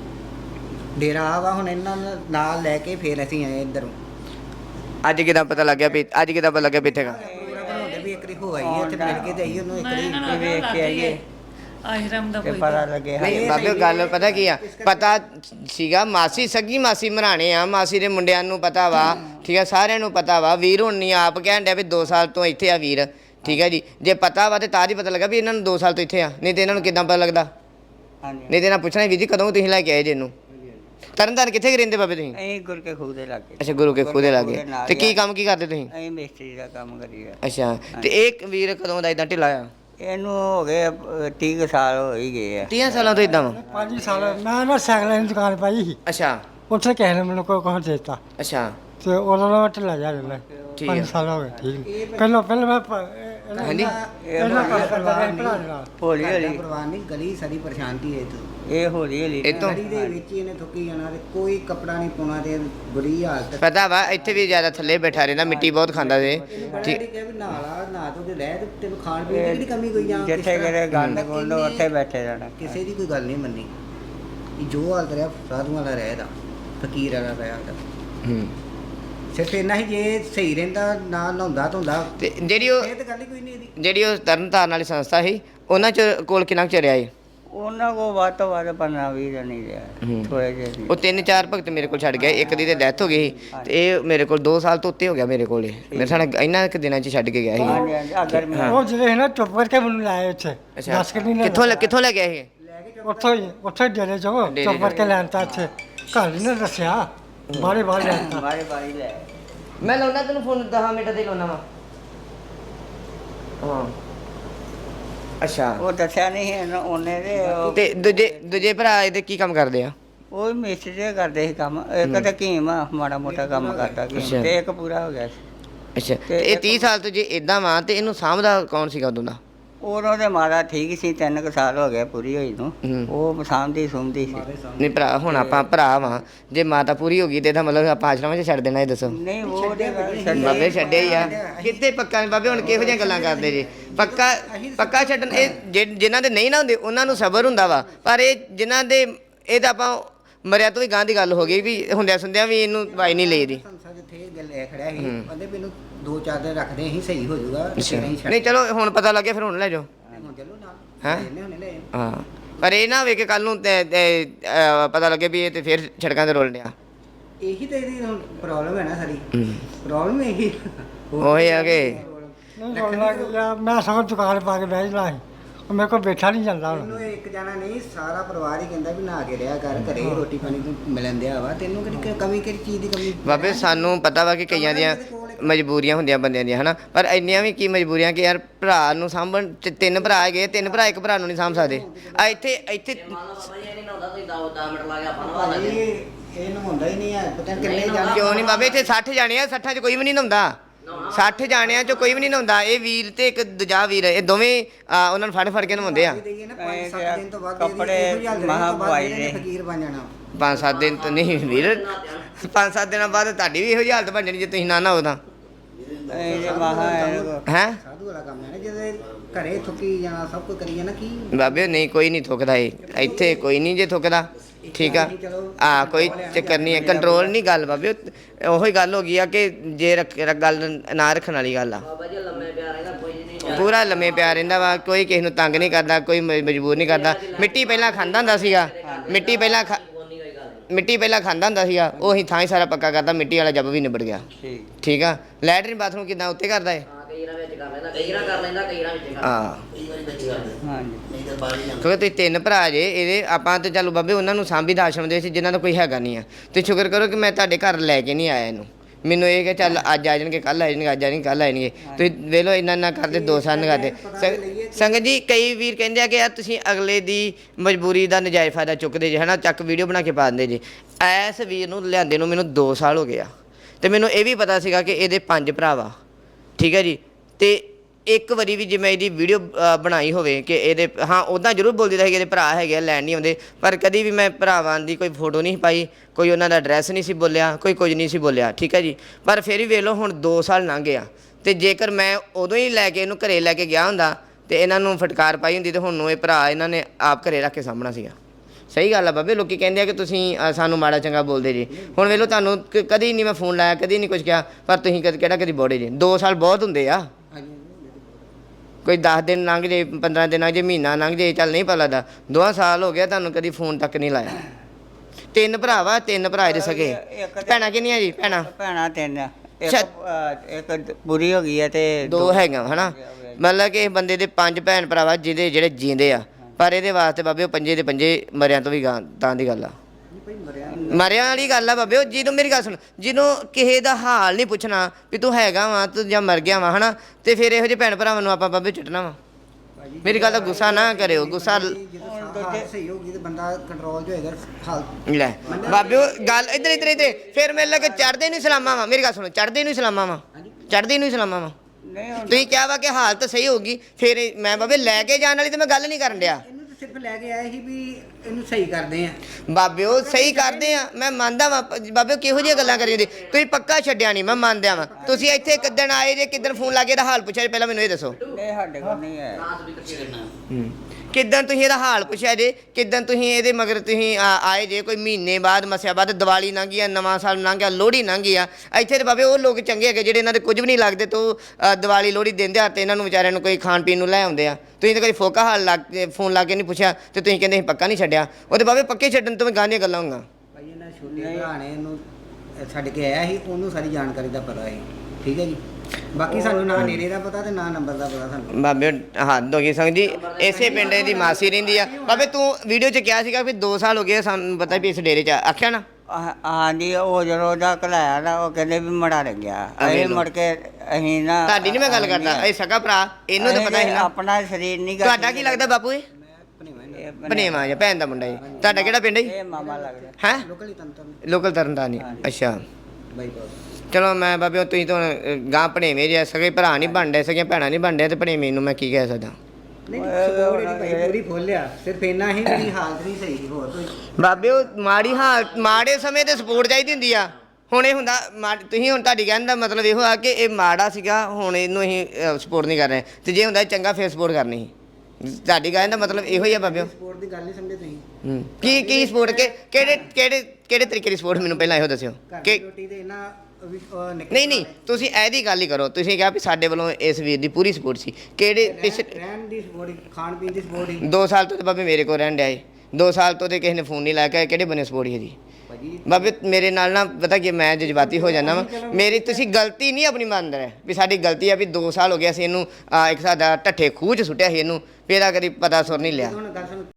Speaker 4: ਡੇਰਾ ਆ ਵਾ। ਹੁਣ ਇਹਨਾਂ ਨਾਲ ਲੈ ਕੇ ਫੇਰ ਅਸੀਂ ਆਏ ਇੱਧਰੋਂ।
Speaker 1: ਅੱਜ ਕਿਦਾਂ ਪਤਾ ਲੱਗਿਆ ਵੀ ਅੱਜ ਕਿਦਾਂ ਪਤਾ ਲੱਗਿਆ ਵੀ ਇੱਥੇ ਗਾ
Speaker 4: ਪੂਰਾ ਬਣਾਉਂਦੇ ਵੀ ਇੱਕ ਵਾਰੀ ਹੋ ਆਈ ਉੱਥੇ ਮਿਲ ਕੇ ਤੇ ਆਈ ਉਹਨੂੰ ਇੱਕ ਵਾਰੀ
Speaker 2: ਵੇਖ ਕੇ ਆਈਏ
Speaker 5: ਆਸ਼ਰਮ ਦਾ
Speaker 2: ਤੇ
Speaker 5: ਕੋਈ
Speaker 2: ਪਤਾ ਲੱਗੇ।
Speaker 1: ਨਹੀਂ ਬਾਬੇ ਗੱਲ ਪਤਾ ਕੀ ਆ, ਪਤਾ ਸੀਗਾ ਮਾਸੀ ਸੱਗੀ ਮਾਸੀ ਮਰਾਣੇ ਆ, ਮਾਸੀ ਦੇ ਮੁੰਡਿਆਂ ਨੂੰ ਪਤਾ ਵਾ, ਠੀਕ ਆ, ਸਾਰਿਆਂ ਨੂੰ ਪਤਾ ਵਾ। ਵੀਰ ਹੁਣ ਨਹੀਂ ਆਪ ਕਹਿਣ ਡਿਆ ਵੀ ਦੋ ਸਾਲ ਤੋਂ ਇੱਥੇ ਆ ਵੀਰ, ਠੀਕ ਹੈ ਜੀ। ਜੇ ਪਤਾ ਵਾ ਤੇ ਤਾਂ ਹੀ ਪਤਾ ਲੱਗਾ ਵੀ ਇਹਨਾਂ ਨੂੰ ਦੋ ਸਾਲ ਤੋਂ ਇੱਥੇ ਆ, ਨਹੀਂ ਤੇ ਇਹਨਾਂ ਨੂੰ ਕਿੱਦਾਂ ਪਤਾ ਲੱਗਦਾ?
Speaker 2: ਹਾਂਜੀ
Speaker 1: ਨਹੀਂ ਤੇ ਇਹਨਾਂ ਪੁੱਛਣਾ ਵੀਰ ਜੀ ਕਦੋਂ ਤੁਸੀਂ ਲੈ ਕੇ ਆਏ ਜੇ ਇਹਨੂੰ? ਤਰਨ ਤਾਰਨ ਕਿੱਥੇ ਕੁ ਰਹਿੰਦੇ ਬਾਬੇ ਤੁਸੀਂ?
Speaker 2: ਅਸੀਂ ਗੁਰ ਕੇ ਖੂਹ ਦੇ ਲਾਗੇ।
Speaker 1: ਅੱਛਾ ਗੁਰੂ ਕੇ ਖੁਦੇ ਲਾਗੇ। ਤੇ ਕੀ ਕੰਮ ਕੀ ਕਰਦੇ ਤੁਸੀਂ?
Speaker 2: ਅਸੀਂ ਮਿਸਤਰੀ ਦਾ ਕੰਮ ਕਰੀਦਾ।
Speaker 1: ਅੱਛਾ ਤੇ ਇਹ ਵੀਰ ਕਦੋਂ ਦਾ ਇਦਾਂ ਢਿੱਲਾ ਆ?
Speaker 2: ਇਹਨੂੰ ਹੋ ਗਏ ਤੀਹ ਕੁ ਸਾਲ ਹੋ ਹੀ ਗਏ ਆ।
Speaker 1: ਤੀਹ ਸਾਲਾਂ ਤੋਂ ਇਦਾਂ ਵਾ?
Speaker 3: ਪੰਜ ਸਾਲ ਮੈਂ ਨਾ ਸਾਈਕਲਾਂ ਦੀ ਦੁਕਾਨ ਪਾਈ ਸੀ,
Speaker 1: ਅੱਛਾ
Speaker 3: ਉੱਥੇ ਕਿਸੇ ਨੇ ਮੈਨੂੰ ਕੋਈ ਕੁਛ ਦੇ ਦਿੱਤਾ
Speaker 1: ਅੱਛਾ
Speaker 3: ਤੇ ਉਹਨਾਂ ਨਾਲ ਢਿੱਲਾ ਜਾ ਰਿਹਾ।
Speaker 1: ਠੀਕ
Speaker 3: ਪੰਜ
Speaker 1: ਆ।
Speaker 3: ਸਾਲ ਹੋ ਗਏ ਠੀਕ। ਪਹਿਲਾਂ ਪਹਿਲਾਂ ਮੈਂ ਪ- ਇਹਨਾਂ-
Speaker 1: ਹਾਂਜੀ
Speaker 3: ਇਹਨਾਂ ਦਾ ਪਰਿਵਾਰ ਨਹੀਂ ਭਰਾ
Speaker 2: ਹੌਲੀ
Speaker 4: ਸਾਡਾ
Speaker 2: ਹੌਲੀ
Speaker 4: ਪਰਿਵਾਰ ਨਹੀਂ, ਗਲੀ ਸਾਰੀ ਪਰੇਸ਼ਾਨ ਦੀ ਹੈ ਇੱਥੇ।
Speaker 2: ਇਹ ਹੌਲੀ ਹੌਲੀ
Speaker 1: ਇਹ ਤੋਂ
Speaker 4: ਗਲੀ ਦੇ ਵਿੱਚ ਹੀ ਇਹਨੇ ਥੁੱਕੀ ਜਾਣਾ ਤੇ ਕੋਈ ਕੱਪੜਾ ਨਹੀਂ ਪਾਉਣਾ ਤੇ ਬੁਰੀ ਹਾਲਤ।
Speaker 1: ਪਤਾ ਵਾ ਇੱਥੇ ਵੀ ਜ਼ਿਆਦਾ ਥੱਲੇ ਬੈਠਾ ਰਹਿੰਦਾ, ਮਿੱਟੀ ਬਹੁਤ ਖਾਂਦਾ ਸੀ।
Speaker 4: ਬੜਾ
Speaker 1: ਠੀਕ
Speaker 4: ਕਿ ਵੀ ਨਾਲਾ ਨਾ ਤੋ ਤੇ ਰਹਿ ਤੇ ਤੈਨੂੰ ਖਾਣ ਪੀਣ ਦੀ ਕਿਹੜੀ ਕਮੀ ਕੋਈ ਜਾਂ
Speaker 2: ਜਿੱਥੇ ਕਿਤੇ ਗੰਦ ਗੁੰਦ ਉੱਥੇ ਬੈਠੇ ਰਹਿਣਾ।
Speaker 4: ਕਿਸੇ ਦੀ ਕੋਈ ਗੱਲ ਨਹੀਂ ਮੰਨੀ। ਇਹ ਜੋ ਹਾਲਤ ਰਿਹਾ ਸਾਧੂਆਂ ਵਾਲਾ ਰਹਿ ਦਾ, ਫਕੀਰ ਵਾਲਾ ਰਹਿ ਦਾ।
Speaker 1: ਹੂੰ
Speaker 4: ਸਿਰਫ ਇੰਨਾ ਹੀ, ਜੇ ਸਹੀ ਰਹਿੰਦਾ ਨਾ ਨਹਾਉਂਦਾ ਧੋਂਦਾ
Speaker 1: ਤੇ ਜਿਹੜੀ ਉਹ
Speaker 4: ਇਹ ਤਾਂ ਗੱਲ ਹੀ ਕੋਈ ਨਹੀਂ ਇਹਦੀ।
Speaker 1: ਜਿਹੜੀ ਉਹ ਤਰਨ ਤਾਰਨ ਵਾਲੀ ਸੰਸਥਾ ਸੀ ਉਹਨਾਂ ਚ ਕੋਲ ਕਿੰਨਾ ਕੁ ਚਿਰ ਆਏ?
Speaker 2: ਉਹਨਾਂ ਕੋ ਵੱਧ ਤੋਂ ਵੱਧ ਪੰਦਰਾਂ ਵੀਹ ਦਿਨ ਹੀ ਰਿਹਾ,
Speaker 1: ਹੂੰ।
Speaker 2: ਥੋੜੇ ਜਿਹੇ ਸੀ।
Speaker 1: ਉਹ ਤਿੰਨ ਚਾਰ ਭਗਤ ਮੇਰੇ ਕੋਲ ਛੱਡ ਗਏ, ਇੱਕ ਦੀ ਤੇ ਡੈਥ ਹੋ ਗਈ ਸੀ ਤੇ ਇਹ ਮੇਰੇ ਕੋਲ ਦੋ ਸਾਲ ਤੋਂ ਉੱਤੇ ਹੋ ਗਿਆ ਮੇਰੇ ਕੋਲ। ਇਹ ਮੇਰੇ ਸਾਡਾ ਇਹਨਾਂ ਕੁ ਦਿਨਾਂ ਚ ਛੱਡ ਕੇ ਗਿਆ ਸੀ।
Speaker 2: ਹਾਂਜੀ ਹਾਂਜੀ ਆ ਗਰਮੀ
Speaker 3: ਉਹ ਜਿਹੜੇ ਸੀ ਨਾ ਚੁੱਪ ਕਰਕੇ ਮੈਨੂੰ ਲਾਏ ਉੱਥੇ
Speaker 1: ਅੱਛਾ
Speaker 3: ਦੱਸ ਕੇ ਨਹੀਂ
Speaker 1: ਕਿੱਥੋਂ ਲੈ- ਕਿੱਥੋਂ ਲੈ ਗਿਆ ਇਹ?
Speaker 3: ਉੱਥੋਂ ਹੀ ਉੱਥੇ ਡੇਰੇ ਚੋਂ
Speaker 1: ਡੇਰੇ
Speaker 3: ਚੁੱਪ ਕਰਕੇ ਲੈਣ ਤਾਂ ਇੱਥੇ ਘਰ ਨਹੀਂ ਦੱਸਿਆ, ਬਾਹਰੇ ਬਾਹਰ ਲੈਣ ਤਾਂ।
Speaker 2: ਬਾਰੀ ਬਾਰੀ ਲੈ
Speaker 1: ਮੈਂ ਲਾਉਣਾ ਤੈਨੂੰ ਫੋਨ ਦਸ ਮਿੰਟ ਦੇ ਲਾਉਣਾ ਵਾ। ਹਾਂ ਅੱਛਾ
Speaker 2: ਉਹ ਦੱਸਿਆ ਨਹੀਂ ਹੈ ਨਾ ਉਹਨੇ ਦੇ ਉਹ-
Speaker 1: ਤੇ ਦੂਜੇ ਦੂਜੇ ਭਰਾ ਇਹਦੇ ਕੀ ਕੰਮ ਕਰਦੇ ਆ?
Speaker 2: ਉਹ ਵੀ ਮਿਸਤਰੀ ਦੇ ਕਰਦੇ ਸੀ ਕੰਮ। ਇੱਕ ਤਾਂ ਕੀਮ ਆ, ਮਾੜਾ ਮੋਟਾ ਕੰਮ ਕਰਦਾ
Speaker 1: ਅੱਛਾ।
Speaker 2: ਕੀਮ, ਤੇ ਇੱਕ ਪੂਰਾ ਹੋ ਗਿਆ ਸੀ।
Speaker 1: ਅੱਛਾ ਤੇ ਇਹ ਤੀਹ ਸਾਲ ਤੋਂ ਜੇ ਇਦਾਂ ਵਾ ਤੇ ਇਹਨੂੰ ਸਾਂਭਦਾ ਕੌਣ ਸੀਗਾ ਉਦੋਂ ਦਾ?
Speaker 2: ਉਹਨਾਂ ਦੇ ਮਾਤਾ ਠੀਕ ਸੀ, ਤਿੰਨ ਕੁ ਸਾਲ ਹੋ ਗਏ ਪੂਰੀ ਹੋਈ ਨੂੰ।
Speaker 1: ਹੂੰ।
Speaker 2: ਉਹ ਸਾਂਭਦੀ ਸੁਣਦੀ ਸੀ।
Speaker 1: ਨਹੀਂ ਭਰਾ ਹੁਣ ਆਪਾਂ ਭਰਾ ਵਾਂ, ਜੇ ਮਾਤਾ ਪੂਰੀ ਹੋ ਗਈ ਤੇ ਇਹਦਾ ਮਤਲਬ ਆਪਾਂ ਆਸ਼ਰਮਾਂ 'ਚ ਛੱਡ ਦੇਣਾ? ਇਹ ਦੱਸੋ
Speaker 2: ਨਹੀਂ ਉਹ ਦੇ ਗੱਲ
Speaker 1: ਬਾਬੇ ਛੱਡੇ ਹੀ ਆ ਕਿਤੇ ਪੱਕਾ ਨੀ ਬਾਬੇ। ਹੁਣ ਕਿਹੋ ਜਿਹੀਆਂ ਗੱਲਾਂ ਕਰਦੇ ਜੀ? ਪੱਕਾ ਪੱਕਾ ਛੱਡਣ ਇਹ ਜਿ- ਜਿਨ੍ਹਾਂ ਦੇ ਨਹੀਂ ਨਾ ਹੁੰਦੇ ਉਹਨਾਂ ਨੂੰ ਸਬਰ ਹੁੰਦਾ ਵਾ, ਪਰ ਇਹ ਜਿਨ੍ਹਾਂ ਦੇ ਇਹ ਤਾਂ ਆਪਾਂ ਮਰਿਆ ਤੋਂ ਵੀ ਗਾਂ ਦੀ ਗੱਲ ਹੋ ਗਈ ਵੀ ਹੁੰਦਿਆਂ ਸੁਣਦਿਆਂ ਵੀ ਇਹਨੂੰ ਵਾਈ ਨਹੀਂ ਲਈ ਦੀ।
Speaker 4: ਸੰਸਾ ਜਿੱਥੇ ਇਹ ਗੱਲ ਇਹ ਖੜਿਆ ਸੀ, ਕਹਿੰਦੇ ਮੈਨੂੰ ਦੋ ਚਾਰ ਦਿਨ ਰੱਖਦੇ ਅਸੀਂ ਸਹੀ ਹੋ ਜਾਊਗਾ ਤੇ
Speaker 1: ਅੱਛਾ
Speaker 4: ਫਿਰ ਅਸੀਂ ਛੱਡ
Speaker 1: ਨਹੀਂ ਚਲੋ ਹੁਣ ਪਤਾ ਲੱਗਿਆ ਫਿਰ ਹੁਣ ਲੈ ਜਾਓ।
Speaker 4: ਹੁਣ ਚੱਲੋ ਨਾਲ
Speaker 1: ਹੈਂ?
Speaker 4: ਇਹਨੇ ਹੁਣੇ ਲੈ
Speaker 1: ਹਾਂ ਪਰ ਇਹ ਨਾ ਹੋਵੇ ਕਿ ਕੱਲ ਨੂੰ ਤੇ- ਤੇ, ਅਹ, ਪਤਾ ਲੱਗੇ ਵੀ ਇਹ ਤੇ ਫਿਰ ਸੜਕਾਂ ਤੇ ਰੋਲ ਡਿਆ।
Speaker 4: ਇਹੀ ਤਾਂ ਇਹਦੀ ਹੁਣ ਪ੍ਰੋਬਲਮ ਹੈ ਨਾ ਸਾਰੀ।
Speaker 1: ਹੂੰ।
Speaker 4: ਪ੍ਰੋਬਲਮ ਇਹੀ
Speaker 1: ਉਹੀ ਆ ਕਿ
Speaker 3: ਨਹੀਂ ਰੋਣਾ ਕਿ ਯਾਰ ਮੈਂ ਸਗੋਂ ਦੁਕਾਨ ਪਾ ਕੇ ਬਹਿ ਜਾਣਾ ਸੀ, ਉਹ ਮੇਰੇ ਕੋਲ ਬੈਠਾ ਨਹੀਂ ਜਾਂਦਾ ਹੁਣ।
Speaker 4: ਇਹਨੂੰ ਇੱਕ ਜਾਣਾ ਨਹੀਂ, ਸਾਰਾ ਪਰਿਵਾਰ ਹੀ ਕਹਿੰਦਾ ਵੀ ਨਹਾ ਕੇ ਰਿਹਾ ਕਰ, ਘਰੇ ਹੀ ਰੋਟੀ ਪਾਣੀ ਤੂੰ ਮਿਲਣ ਦਿਆ ਵਾ, ਤੈਨੂੰ ਕਿਹੜੀ ਕਮੀ ਕਿਹੜੀ ਚੀਜ਼ ਦੀ ਕਮੀ?
Speaker 1: ਬਾਬੇ ਸਾਨੂੰ ਪਤਾ ਵਾ ਕਿ ਕਈਆਂ ਦੀਆਂ ਮਜਬੂਰੀਆਂ ਹੁੰਦੀਆਂ ਬੰਦਿਆਂ ਦੀਆਂ ਹਨਾ, ਪਰ ਇੰਨੀਆਂ ਵੀ ਕੀ ਮਜਬੂਰੀਆਂ ਕਿ ਯਾਰ ਭਰਾ ਨੂੰ ਸਾਂਭਣ ਤੇ ਤਿੰਨ ਭਰਾ ਹੈਗੇ, ਤਿੰਨ ਭਰਾ ਇੱਕ ਭਰਾ ਨੂੰ ਨਹੀਂ ਸਾਂਭ ਸਕਦੇ। ਆ ਇੱਥੇ ਇੱਥੇ
Speaker 4: ਭਾਜੀ, ਇਹ ਨਹਾਉਂਦਾ ਹੀ ਨਹੀਂ ਹੈ, ਪਤਾ ਨੀ ਕਿੰਨੇ ਜਾਣੇ
Speaker 1: ਕਿਉਂ ਨਹੀਂ ਬਾਬੇ? ਇੱਥੇ ਸੱਠ ਜਾਣੇ ਆ, ਸੱਠਾਂ 'ਚ ਕੋਈ ਵੀ ਨਹੀਂ ਨਹਾਉਂਦਾ। ਸੱਠ ਜਾਣਿਆਂ 'ਚ ਕੋਈ ਵੀ ਨਹੀਂ ਨਹਾਉਂਦਾ। ਇਹ ਵੀਰ ਤੇ ਇੱਕ ਦੂਜਾ ਵੀਰ ਇਹ ਦੋਵੇਂ ਆ, ਉਹਨਾਂ ਨੂੰ ਫੜ ਫੜ ਕੇ ਨਹਾਉਂਦੇ ਆ।
Speaker 4: ਦੇਈਏ ਨਾ ਪੰਜ ਸੱਤ ਦਿਨ ਤੋਂ ਬਾਅਦ ਦੇ
Speaker 2: ਕੱਪੜੇ
Speaker 4: ਇਹੋ ਜਿਹੀ ਹਾਲਤ ਰਹਿਣੀ,
Speaker 2: ਮਹਾਂ
Speaker 4: ਤੋਂ ਬਾਅਦ
Speaker 2: ਪਵਾਈ
Speaker 4: ਇਹਨੇ
Speaker 2: ਦੇ।
Speaker 4: ਫਕੀਰ ਬਣ ਜਾਣਾ।
Speaker 1: ਪੰਜ ਸੱਤ ਦਿਨ ਤੋਂ ਨਹੀਂ ਵੀਰ, ਪੰਜ ਸੱਤ ਦਿਨਾਂ ਬਾਅਦ ਤੁਹਾਡੀ ਵੀ ਇਹੋ ਜਿਹੀ ਹਾਲਤ ਬਣ ਜਾਣੀ ਜੇ ਤੁਸੀਂ ਨਾ ਨਹਾਓ ਤਾਂ।
Speaker 2: ਇਹ ਜੇ ਮਹਾ
Speaker 1: ਹੈਂ
Speaker 4: ਸਾਧੂ ਵਾਲਾ ਕੰਮ ਹੈ ਨਾ, ਜਦੋਂ ਘਰੇ ਥੁੱਕੀ ਜਾਣਾ, ਸਭ ਕੁਝ ਕਰੀ ਜਾਣਾ, ਕੀ
Speaker 1: ਬਾਬੇ ਨਹੀਂ ਕੋਈ ਨਹੀਂ ਥੁੱਕਦਾ ਇਹ ਇੱਥੇ, ਕੋਈ ਨਹੀਂ ਜੇ ਥੁੱਕਦਾ। ਠੀਕ ਆ
Speaker 4: ਅਸੀਂ ਚਲੋ
Speaker 1: ਆ ਕੋਈ
Speaker 4: control ਆ,
Speaker 1: ਚੱਕਰ ਨਹੀਂ ਹੈ
Speaker 4: ਮੇਰਾ
Speaker 1: ਕੰਟਰੋਲ ਨਹੀਂ ਗੱਲ ਬਾਬੇ ਉਹ- ਉਹੀ ਗੱਲ ਹੋ ਗਈ ਆ ਕਿ ਜੇ ਰੱਖ ਰੱਖ- ਗੱਲ ਨਾ ਰੱਖਣ ਵਾਲੀ ਗੱਲ ਆ ਪੂਰਾ ਲੰਮੇ ਪਿਆ ਰਹਿੰਦਾ ਵਾ ਕੋਈ ਕਿਸੇ ਨੂੰ ਤੰਗ ਨਹੀਂ ਕਰਦਾ ਕੋਈ ਮ- ਮਜਬੂਰ ਨਹੀਂ ਕਰਦਾ ਮਿੱਟੀ ਪਹਿਲਾਂ ਖਾਂਦਾ ਹੁੰਦਾ ਸੀਗਾ ਮਿੱਟੀ ਪਹਿਲਾਂ ਖਾ- ਮਿੱਟੀ ਪਹਿਲਾਂ ਖਾਂਦਾ ਹੁੰਦਾ ਸੀਗਾ ਉਹ ਅਸੀਂ ਥਾਂ ਹੀ ਸਾਰਾ ਪੱਕਾ ਕਰਦਾ ਮਿੱਟੀ ਵਾਲਾ ਜੱਬ ਵੀ ਨਿਬੜ ਗਿਆ
Speaker 2: ਠੀਕ
Speaker 1: ਠੀਕ ਆ ਲੈਟਰਿਨ ਬਾਥਰੂਮ ਕਿੱਦਾਂ ਉੱਤੇ ਕਰਦਾ ਏ ਹਾਂ
Speaker 2: ਹਾਂਜੀ
Speaker 1: ਕਿਉਂਕਿ ਤੁਸੀਂ ਤਿੰਨ ਭਰਾ ਜੇ ਇਹਦੇ ਆਪਾਂ ਤੇ ਚੱਲ ਬਾਬੇ ਉਹਨਾਂ ਨੂੰ ਸਾਂਭੀਦਾ ਆਸ਼ਰਮ ਦੇ ਵਿੱਚ ਜਿਨ੍ਹਾਂ ਦਾ ਕੋਈ ਹੈਗਾ ਨਹੀਂ ਆ ਤੇ ਸ਼ੁਕਰ ਕਰੋ ਕਿ ਮੈਂ ਤੁਹਾਡੇ ਘਰ ਲੈ ਕੇ ਨਹੀਂ ਆਇਆ ਇਹਨੂੰ ਮੈਨੂੰ ਇਹ ਕਿ ਚੱਲ ਅੱਜ ਆ ਜਾਣਗੇ ਕੱਲ ਆ ਜਾਣਗੇ ਅੱਜ ਆ ਜਾਣਗੇ ਕੱਲ ਆ ਜਾਣਗੇ ਤੁਸੀਂ ਵੇਖ ਲਓ ਇੰਨਾ ਇੰਨਾ ਕਰਦੇ ਦੋ ਸਾਲ ਨਗਾਦੇ ਸੰਗਤ ਜੀ ਕਈ ਵੀਰ ਕਹਿੰਦੇ ਆ ਕਿ ਯਾਰ ਤੁਸੀਂ ਅਗਲੇ ਦੀ ਮਜਬੂਰੀ ਦਾ ਨਜਾਇਜ਼ ਫਾਇਦਾ ਚੁੱਕਦੇ ਜੇ ਹਨਾ ਚੱਕ ਵੀਡੀਓ ਬਣਾ ਕੇ ਪਾ ਦਿੰਦੇ ਜੇ ਐਸ ਵੀਰ ਨੂੰ ਲਿਆਂਦੇ ਨੂੰ ਮੈਨੂੰ ਦੋ ਸਾਲ ਹੋ ਗਏ ਆ ਤੇ ਮੈਨੂੰ ਇਹ ਵੀ ਪਤਾ ਸੀਗਾ ਕਿ ਇਹਦੇ ਪੰਜ ਭਰਾ ਵਾ ਠੀਕ ਹੈ ਜੀ ਤੇ ਇੱਕ ਵਾਰੀ ਵੀ ਜਿਵੇਂ ਇਹਦੀ ਵੀਡੀਓ ਬਣਾਈ ਹੋਵੇ ਕਿ ਇਹਦੇ ਹਾਂ ਉੱਦਾਂ ਜ਼ਰੂਰ ਬੋਲਦੀ ਰਹੀ ਕਿ ਇਹਦੇ ਭਰਾ ਹੈਗੇ ਆ ਲੈਣ ਨਹੀਂ ਆਉਂਦੇ ਪਰ ਕਦੀ ਵੀ ਮੈਂ ਭਰਾਵਾਂ ਦੀ ਕੋਈ ਫੋਟੋ ਨਹੀਂ ਪਾਈ ਕੋਈ ਉਹਨਾਂ ਦਾ ਐਡਰੈਸ ਨਹੀਂ ਸੀ ਬੋਲਿਆ ਕੋਈ ਕੁਝ ਨਹੀਂ ਸੀ ਬੋਲਿਆ ਠੀਕ ਹੈ ਜੀ ਪਰ ਫਿਰ ਵੀ ਵੇਖ ਲਓ ਹੁਣ ਦੋ ਸਾਲ ਲੰਘ ਗਿਆ ਤੇ ਜੇਕਰ ਮੈਂ ਉਦੋਂ ਹੀ ਲੈ ਕੇ ਇਹਨੂੰ ਘਰੇ ਲੈ ਕੇ ਗਿਆ ਹੁੰਦਾ ਤੇ ਇਹਨਾਂ ਨੂੰ ਫਟਕਾਰ ਪਾਈ ਹੁੰਦੀ ਤੇ ਹੁਣ ਨੂੰ ਇਹ ਭਰਾ ਇਹਨਾਂ ਨੇ ਆਪ ਘਰੇ ਰੱਖ ਕੇ ਸਾਂਭਣਾ ਸੀਗਾ ਸਹੀ ਗੱਲ ਆ ਬਾਬੇ ਲੋਕੀ ਕਹਿੰਦੇ ਆ ਕਿ ਤੁਸੀਂ ਅ, ਸਾਨੂੰ ਮਾੜਾ ਚੰਗਾ ਬੋਲਦੇ ਜੀ ਹੁਣ ਵੇਖ ਲਓ ਤੁਹਾਨੂੰ ਕ- ਕਦੀ ਨਹੀਂ ਮੈਂ ਫੋਨ ਲਾਇਆ ਕਦੀ ਨਹੀਂ ਕੁਝ ਕਿਹਾ ਪਰ ਤੁਸੀਂ ਕਦ ਕਿਹੜਾ ਕਦੀ ਬੋੜੇ ਜੀ ਦੋ ਸਾਲ ਬਹੁਤ ਹੁੰਦੇ ਆ ਕੋਈ ਦਸ ਦਿਨ ਲੰਘ ਜੇ ਪੰਦਰਾਂ ਦਿਨ ਲੰਘ ਜੇ ਮਹੀਨਾ ਲੰਘ ਜੇ ਚੱਲ ਨਹੀਂ ਪਤਾ ਲੱਗਦਾ ਦੋ ਸਾਲ ਹੋ ਗਿਆ ਤੁਹਾਨੂੰ ਕਦੀ ਫੋਨ ਤੱਕ ਨਹੀਂ ਲਾਇਆ ਤਿੰਨ ਭਰਾ ਵਾ ਤਿੰਨ ਭਰਾ ਇਹਦੇ ਸਕੇ
Speaker 2: ਇੱਕ ਤੇ-
Speaker 1: ਭੈਣਾਂ ਕਿੰਨੀਆਂ ਜੀ ਭੈਣਾਂ
Speaker 2: ਭੈਣਾਂ ਤਿੰਨ ਆ। ਇੱਕ
Speaker 1: ਅੱਛਾ।
Speaker 2: ਅਹ, ਇੱਕ ਪੂਰੀ ਹੋ ਗਈ ਹੈ ਤੇ
Speaker 1: ਦੋ ਹੈਗਾ ਹਨਾ ਮਤਲਬ ਕਿ ਇਸ ਬੰਦੇ ਦੇ ਪੰਜ ਭੈਣ ਭਰਾ ਵਾ ਜਿਹਦੇ ਜਿਹੜੇ ਜੀਂਦੇ ਆ ਪਰ ਇਹਦੇ ਵਾਸਤੇ ਬਾਬੇ ਉਹ ਪੰਜੇ ਦੇ ਪੰਜੇ ਮਰਿਆਂ ਤੋਂ ਵੀ ਗਾਂ ਤਾਂ ਦੀ ਗੱਲ ਆ ਮਰਿਆਂ ਵਾਲੀ ਗੱਲ ਆ ਬਾਬੇ ਉਹ ਜਿਹਨੂੰ ਮੇਰੀ ਗੱਲ ਸੁਣ ਜਿਹਨੂੰ ਕਿਸੇ ਦਾ ਹਾਲ ਨਹੀਂ ਪੁੱਛਣਾ ਵੀ ਤੂੰ ਹੈਗਾ ਵਾ ਤੂੰ ਜਾਂ ਮਰ ਗਿਆ ਵਾ ਹਨਾ ਤੇ ਫਿਰ ਇਹੋ ਜਿਹੇ ਭੈਣ ਭਰਾਵਾਂ ਨੂੰ ਆਪਾਂ ਬਾਬੇ ਚੁੱਟਣਾ ਵਾ ਮੇਰੀ ਗੱਲ ਦਾ ਗੁੱਸਾ ਨਾ ਕਰਿਓ ਗੁੱਸਾ
Speaker 4: ਜਦੋਂ ਹਾਲਤ ਸਹੀ ਹੋਊਗੀ ਤੇ ਬੰਦਾ ਕੰਟਰੋਲ 'ਚ ਹੋਏਗਾ ਹਾਲਤ
Speaker 1: ਲੈ ਬਾਬੇ ਉਹ ਗੱਲ ਇੱਧਰ ਇੱਧਰ ਇੱਧਰ ਫਿਰ ਮੇਰੇ ਲੱਗੇ ਚੜਦੇ ਨੂੰ ਸਲਾਮਾਂ ਵਾ ਮੇਰੀ ਗੱਲ ਸੁਣੋ ਚੜਦੇ ਨੂੰ ਸਲਾਮਾਂ ਵਾ ਚੜਦੇ ਨੂੰ ਸਲਾਮਾਂ ਵਾ
Speaker 2: ਨਹੀਂ ਹੁਣ
Speaker 1: ਤੁਸੀਂ ਕਿਹਾ ਵਾ ਕਿ ਹਾਲਤ ਸਹੀ ਹੋਊਗੀ ਫਿਰ ਇਹ- ਮੈਂ ਬਾਬੇ ਲੈ ਕੇ ਜਾਣ ਵਾਲੀ ਤੇ ਮੈਂ ਗੱਲ ਨਹੀਂ ਕਰਨ ਡਿਆ
Speaker 4: ਇਹਨੂੰ ਤਾਂ ਸਿਰਫ ਲੈ ਕੇ ਆਏ ਸੀ ਵੀ ਇਹਨੂੰ ਸਹੀ ਕਰਦੇ ਆ
Speaker 1: ਬਾਬੇ ਉਹ ਸਹੀ ਕਰਦੇ ਆ ਮੈਂ ਮੰਨਦਾ ਵਾਂ ਪ- ਬਾਬੇ ਉਹ ਕਿਹੋ ਜਿਹੀਆਂ ਗੱਲਾਂ ਕਰੀ ਜਾਂਦੇ ਤੁਸੀਂ ਪੱਕਾ ਛੱਡਿਆ ਨਹੀਂ ਮੈਂ ਮੰਨਦਾ ਵਾਂ ਤੁਸੀਂ ਇੱਥੇ ਕਿੱਦਣ ਆਏ ਜੇ ਕਿੱਦਣ ਫੋਨ ਲਾ ਕੇ ਇਹਦਾ ਹਾਲ ਪੁੱਛਿਆ ਜੀ? ਪਹਿਲਾਂ ਮੈਨੂੰ ਇਹ ਦੱਸੋ
Speaker 2: ਨਹੀਂ ਸਾਡੇ ਕੋਲ ਨਹੀਂ ਹੈ
Speaker 1: ਕਿੱਦਣ ਤੁਸੀਂ ਇਹਦਾ ਹਾਲ ਪੁੱਛਿਆ ਜੇ ਕਿੱਦਣ ਤੁਸੀਂ ਇਹਦੇ ਮਗਰ ਤੁਸੀਂ ਆ- ਆਏ ਜੇ ਕੋਈ ਮਹੀਨੇ ਬਾਅਦ ਮਸਿਆ ਬਾਅਦ ਦੀਵਾਲੀ ਲੰਘ ਗਈ ਆ ਨਵਾਂ ਸਾਲ ਲੰਘ ਗਿਆ ਲੋਹੜੀ ਲੰਘ ਗਈ ਆ ਇੱਥੇ ਤੇ ਬਾਬੇ ਉਹ ਲੋਕ ਚੰਗੇ ਹੈਗੇ ਜਿਹੜੇ ਇਹਨਾਂ ਦੇ ਕੁਝ ਵੀ ਨਹੀਂ ਲੱਗਦੇ ਤੋਂ ਅ, ਦੀਵਾਲੀ ਲੋਹੜੀ ਦਿੰਦੇ ਆ ਤੇ ਇਹਨਾਂ ਨੂੰ ਵਿਚਾਰਿਆਂ ਨੂੰ ਕੋਈ ਖਾਣ ਪੀਣ ਨੂੰ ਲੈ ਆਉਂਦੇ ਆ ਤੁਸੀਂ ਤਾਂ ਕਦੀ ਫੋਕਾ ਹਾਲ ਲੱਗ ਕੇ ਫੋਨ ਲਾ ਕੇ ਨਹੀਂ ਪੁੱਛਿਆ ਤੇ ਤੁਸੀਂ ਕਹਿੰਦੇ ਅਸੀਂ ਪੱਕਾ ਨਹੀਂ ਛੱਡਿਆ ਉਹਦੇ ਬਾਬੇ ਪੱਕੇ ਛੱਡਣ ਤੋਂ ਵੀ ਗਾਂ ਦੀਆਂ ਗੱਲਾਂ ਹੋਊਗਾ
Speaker 4: ਭਾਈ ਇਹਨਾਂ ਛੋਟੇ ਭਰਾ ਨੇ ਇਹਨੂੰ ਛੱਡ ਕੇ ਆਇਆ ਸੀ ਉਹਨੂੰ ਸਾਰੀ ਜਾਣਕਾਰੀ ਦਾ ਪਤਾ ਸੀ ਠੀਕ ਹੈ ਜੀ ਬਾਕੀ ਸਾਨੂੰ ਨਾ ਨੇੜੇ ਦਾ ਪਤਾ ਤੇ ਨਾ ਨੰਬਰ ਦਾ ਪਤਾ ਸਾਨੂੰ
Speaker 1: ਬਾਬੇ ਹੱਦ ਹੋ ਗਈ ਸੰਗ ਜੀ ਇਸੇ ਪਿੰਡ ਦੀ ਮਾਸੀ ਰਹਿੰਦੀ ਆ ਬਾਬੇ ਤੂੰ ਵੀਡੀਓ 'ਚ ਕਿਹਾ ਸੀਗਾ ਵੀ ਦੋ ਸਾਲ ਹੋ ਗਏ ਸਾਨੂੰ ਪਤਾ ਵੀ ਇਸ ਡੇਰੇ 'ਚ ਆ। ਆਖਿਆ ਨਾ
Speaker 2: ਆਹ- ਹਾਂਜੀ ਉਹ ਜਦੋਂ ਦਾ ਘਲਾਇਆ ਨਾ ਉਹ ਕਹਿੰਦੇ ਵੀ ਮੜਾ ਲੱਗਿਆ
Speaker 1: ਆ ਵੇਖ
Speaker 2: ਅਸੀਂ
Speaker 1: ਲਓ।
Speaker 2: ਮੁੜ ਕੇ ਅਸੀਂ ਨਾ
Speaker 1: ਤੁਹਾਡੀ ਨਹੀਂ ਮੈਂ ਗੱਲ ਕਰਦਾ ਇਹ ਸਕਾ ਭਰਾ ਇਹਨੂੰ ਤਾਂ ਪਤਾ ਸੀ ਨਾ
Speaker 2: ਆਪਣਾ ਸਰੀਰ ਨਹੀਂ
Speaker 1: ਤੁਹਾਡਾ ਕੀ ਲੱਗਦਾ ਬਾਪੂ ਇਹ ਭਨੇਵਾ ਜਾਂ ਭੈਣ ਦਾ ਮੁੰਡਾ ਜੀ ਤੁਹਾਡਾ ਕਿਹੜਾ ਪਿੰਡ ਹੈ
Speaker 2: ਇਹ ਮਾਮਾ ਲੱਗਦਾ
Speaker 1: ਹੈ
Speaker 4: ਲੋਕਲ ਹੀ ਤੰਤਰ
Speaker 1: ਲੋਕਲ ਤਰਨਤਾਨੀ ਅੱਛਾ
Speaker 4: ਬਾਈ ਬਾਈ
Speaker 1: ਚਲੋ ਮੈਂ ਬਾਬੇ ਤੁਸੀਂ ਤਾਂ ਗਾਂ ਭਣੇਵੇਂ ਜੇ ਸਗੇ ਭਰਾ ਨਹੀਂ ਬਣਦੇ ਸਗੀਆਂ ਭੈਣਾਂ ਨਹੀਂ ਬਣਦੇ ਤੇ ਭਣੇਵੇਂ ਨੂੰ ਮੈਂ ਕੀ ਕਹਿ ਸਕਦਾ
Speaker 4: ਨਹੀਂ ਸਪੋਰਟ ਇਹਦੀ ਭਾਈ ਪੂਰੀ ਖੋਲਿਆ ਸਿਰਫ ਇੰਨਾ ਹੀ ਮੇਰੀ ਹਾਲਤ ਨਹੀਂ ਸਹੀ ਹੋਰ ਕੋਈ
Speaker 1: ਬਾਬੇ ਉਹ ਮਾੜੀ ਹਾਲਤ ਮਾੜੇ ਸਮੇਂ ਤੇ ਸਪੋਰਟ ਚਾਹੀਦੀ ਹੁੰਦੀ ਆ ਹੁਣ ਇਹ ਹੁੰਦਾ ਮਾ- ਤੁਸੀਂ ਹੁਣ ਤੁਹਾਡੀ ਕਹਿਣ ਦਾ ਮਤਲਬ ਇਹੋ ਆ ਕਿ ਇਹ ਮਾੜਾ ਸੀਗਾ ਹੁਣ ਇਹਨੂੰ ਅਸੀਂ ਸਪੋਰਟ ਨਹੀਂ ਕਰ ਰਹੇ ਤੇ ਜੇ ਹੁੰਦਾ ਚੰਗਾ ਫੇਰ ਸਪੋਰਟ ਕਰਨੀ ਸੀ ਤੁਹਾਡੀ ਕਹਿਣ ਦਾ ਮਤਲਬ ਇਹੋ ਹੀ ਆ ਬਾਬੇ
Speaker 4: ਸਪੋਰਟ ਦੀ ਗੱਲ ਨਹੀਂ ਸਮਝੇ ਤੁਸੀਂ
Speaker 1: ਹੂੰ ਕੀ ਕੀ ਸਪੋਰਟ ਕਿ ਕਿਹੜੇ ਕਿਹੜੇ ਕਿਹੜੇ ਤਰੀਕੇ ਦੀ ਸਪੋਰਟ ਮੈਨੂੰ ਪਹਿਲਾਂ ਇਹੋ ਦੱਸਿਓ
Speaker 4: ਘਰ
Speaker 1: ਕਿ
Speaker 4: ਦੀ ਰੋਟੀ ਤੇ ਇਹਨਾਂ ਵੀ ਉਹ ਨਿਕਲ
Speaker 1: ਨਹੀਂ ਨਹੀਂ ਤੁਸੀਂ ਇਹਦੀ ਗੱਲ ਹੀ ਕਰੋ ਤੁਸੀਂ ਕਿਹਾ ਵੀ ਸਾਡੇ ਵੱਲੋਂ ਇਸ ਵੀਰ ਦੀ ਪੂਰੀ ਸਪੋਰਟ ਸੀ ਕਿਹੜੇ ਪਿਛ
Speaker 4: ਰਹਿਣ ਦੀ ਸਪੋਰਟ ਖਾਣ ਪੀਣ ਦੀ ਸਪੋਰਟ ਹੀ
Speaker 1: ਦੋ ਸਾਲ ਤੋਂ ਤੇ ਬਾਬੇ ਮੇਰੇ ਕੋਲ ਰਹਿਣ ਡਿਆ ਏ ਦੋ ਸਾਲ ਤੋਂ ਤੇ ਕਿਸੇ ਨੇ ਫੋਨ ਨਹੀਂ ਲਾਇਆ ਕਿ ਕਿਹੜੇ ਬਨੇ ਸਪੋਰਟ ਹੈ ਜੀ
Speaker 4: ਭਾਜੀ
Speaker 1: ਬਾਬੇ ਮੇਰੇ ਨਾਲ ਨਾ ਪਤਾ ਕਿ ਮੈਂ ਜਜ਼ਬਾਤੀ ਹੋ ਜਾਂਦਾ ਵਾ ਮੇਰੀ ਤੁਸੀਂ ਗਲਤੀ ਨਹੀਂ ਆਪਣੀ ਮੰਨ ਰਹੇ ਵੀ ਸਾਡੀ ਗਲਤੀ ਆ ਵੀ ਦੋ ਸਾਲ ਹੋ ਗਏ ਅਸੀਂ ਇਹਨੂੰ ਆ, ਇੱਕ ਸਾਡਾ ਢੱਠੇ ਖੂਹ 'ਚ ਸੁੱਟਿਆ ਸੀ ਇਹਨੂੰ ਵੀ ਇਹਦਾ ਕਦੀ ਪਤਾ ਸੁਰ ਨਹੀਂ ਲਿਆ
Speaker 4: ਹੁਣ ਗੱਲ ਸੁਣ